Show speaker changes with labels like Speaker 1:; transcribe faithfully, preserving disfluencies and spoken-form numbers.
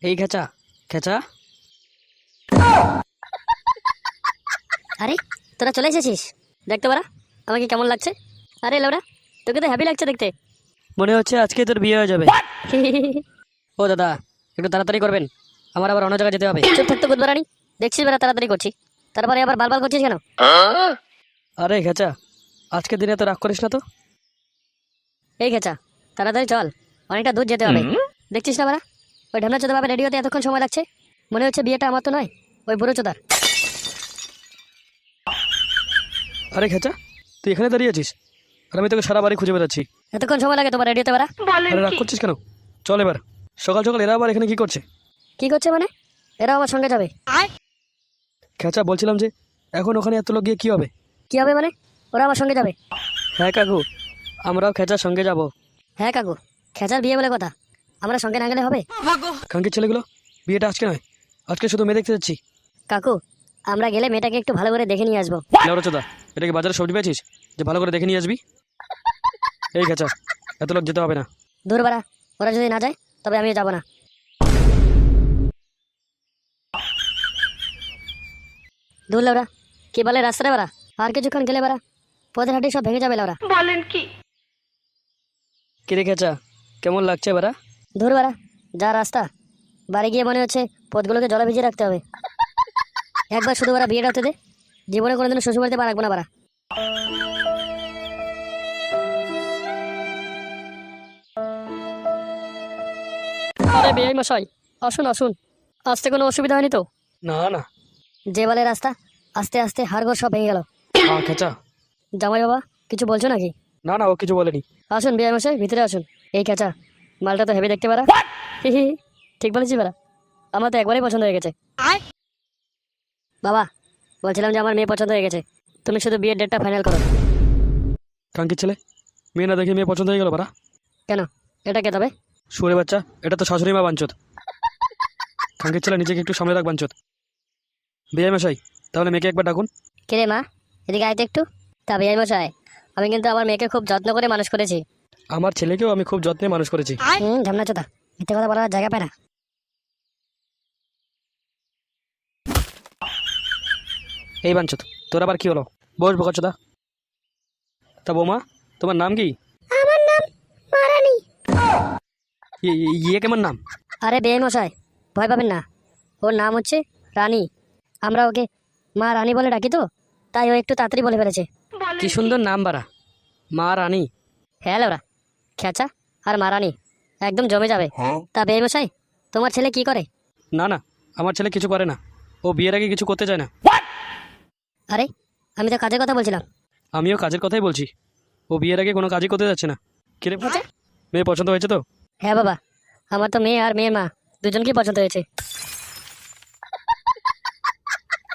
Speaker 1: এই খেচা খেচা।
Speaker 2: আরে তোরা চলে এসেছিস, দেখতে পারা আমাকে কেমন লাগছে। আরে লোরা, তোকে তো হ্যাপি লাগছে দেখতে।
Speaker 1: মনে হচ্ছে আজকে তোর বিয়ে হয়ে যাবে। ও দাদা, একটু তাড়াতাড়ি করবেন, আমার আবার অন্য জায়গায় যেতে হবে।
Speaker 2: চুপ থাকতে বুধবারানি, দেখছিস বেড়া তাড়াতাড়ি করছি, তারপরে আবার বালবাল করছিস কেন?
Speaker 1: আরে খেচা, আজকের দিনে তো রাগ করিস না তো।
Speaker 2: এই খেচা, তাড়াতাড়ি চল, অনেকটা দূর যেতে হবে। দেখছিস না বাড়া, ওই ঢামনা চোদা বাবা রেডিওতে এতক্ষণ সময় লাগছে। মনে হচ্ছে বিয়েটা আমার তো নয়, ওই বুড়ো চোদার।
Speaker 1: আরে খেচা, তুই এখানে দাঁড়িয়ে আছিস আর আমি তোকে সারা বাড়ি খুঁজে বেড়াচ্ছি।
Speaker 2: এতক্ষণ সময় লাগে তোমার রেডিওতে বাড়া?
Speaker 1: আরে রাগ করছিস কেন? চল এবার। সকাল সকাল এরা আবার এখানে কি করছে?
Speaker 2: কি করছে মানে? এরা আমার সঙ্গে যাবে?
Speaker 1: খেচা, বলছিলাম যে এখন ওখানে এত লোক গিয়ে কি হবে?
Speaker 2: কি হবে মানে? ওরা আমার সঙ্গে যাবে?
Speaker 1: হ্যাঁ কাকু, আমরাও খেচার সঙ্গে যাব।
Speaker 2: হ্যাঁ কাকু, খেচার বিয়ে বলে কথা, আমরা সঙ্গে না গেলে হবে?
Speaker 1: খাঙ্কির ছেলেগুলো, বিয়েটা আজকে নয়, আজকে শুধু মেয়ে দেখতে যাচ্ছি।
Speaker 2: কাকু, আমরা গেলে মেয়েটাকে একটু ভালো করে দেখে নিয়ে আসবো।
Speaker 1: লেওড়াচোদা, এটা কি বাজারে সবজি পেয়েছিস যে ভালো করে দেখে নিয়ে আসবি? এই খেচা, এত লোক যেতে হবে না।
Speaker 2: দূর বাড়া, ওরা যদি না যায় তবে আমিও যাবো না। দূর লেওরা, কি বলে রাস্তায় বাড়া, আর কিছুক্ষণ গেলে বাড়া পথের হাঁটি সব ভেঙে যাবে লেওরা।
Speaker 1: কিরে খেচা, কেমন লাগছে বারা?
Speaker 2: দূর বাড়া, যা রাস্তা, বাড়ি গিয়ে মনে হচ্ছে পথগুলোকে জলে ভিজিয়ে রাখতে হবে। একবার শুধু বাড়া বিয়েটা হতে দে, জীবনে কোনোদিনও শ্বশুর বাড়িতে পা রাখবো না বাড়া। আরে বিয়ে মশাই, আসুন আসুন, আসতে কোনো অসুবিধা হয়নি তো?
Speaker 1: না না।
Speaker 2: যে বলে রাস্তা, আস্তে আস্তে হাড়গোড় সব ভেঙে গেল।
Speaker 1: হ্যাঁ খেচা।
Speaker 2: জামাই বাবা, কিছু বলছো নাকি?
Speaker 1: না না, ও কিছু বলেনি।
Speaker 2: আসুন বিয়ে মশাই, ভিতরে আসুন। এই খেচা, মালটা তো হেভি দেখতে পারা। হি হি, ঠিক বলেছি বারা, আমার তো একবারেই পছন্দ হয়ে গেছে। বাবা, বলছিলাম যে আমার মেয়ে পছন্দ হয়ে গেছে, তুমি শুধু বিয়ের ডেটটা ফাইনাল করো।
Speaker 1: কাঙ্কির ছেলে, মেয়ে না দেখে মেয়ে পছন্দ হয়ে গেল বারা?
Speaker 2: কেন, এটা কে তবে?
Speaker 1: শুয়ে বাচ্চা, এটা তো শাশুড়ি মা বাঞ্চত। কাঙ্কির ছেলে, নিজেকে একটু সামনে রাখ বাঞ্চত। বিয়ে মশাই, তাহলে মেয়েকে একবার ডাকুন।
Speaker 2: কে রে মা, এদিকে আয়তো একটু। তা বিয়ে মশাই, আমি কিন্তু আমার মেয়েকে খুব যত্ন করে মানুষ করেছি।
Speaker 1: আমার ছেলেকেও আমি খুব যত্নে মানুষ করেছি।
Speaker 2: হুম, ঝামনা চোদা, মিথ্যে কথা বলার জায়গা পায় না।
Speaker 1: এই বাঞ্চত, তোর আবার কি হলো? বস বোকাচোদা। তা বৌমা, তোমার নাম কি?
Speaker 2: আমার নাম মারানি।
Speaker 1: ই- ই- ইয়ে কেমন নাম?
Speaker 2: আরে বিয়ে মশাই, ভয় পাবেন না, ওর নাম হচ্ছে রানী। আমরা ওকে মা রানী বলে ডাকি তো, তাই ও একটু তাড়াতাড়ি বলে ফেলেছে।
Speaker 1: কি সুন্দর নাম বারা, মা রানী।
Speaker 2: হ্যাঁ লেওরা, খেচা আর মা রানী একদম জমে যাবে। তা বিয়ে মশাই, তোমার ছেলে কি করে?
Speaker 1: না না, আমার ছেলে কিছু করে না, ও বিয়ের আগে কিছু করতে চায় না।
Speaker 2: আরে, আমি তো কাজের কথা বলছিলাম।
Speaker 1: আমিও কাজের কথাই বলছি, ও বিয়ের আগে কোনো কাজই করতে যাচ্ছে না। কিরে, মেয়ে পছন্দ হয়েছে তো?
Speaker 2: হ্যাঁ বাবা, আমার তো মেয়ে আর মেয়ের মা দুজনকেই পছন্দ হয়েছে।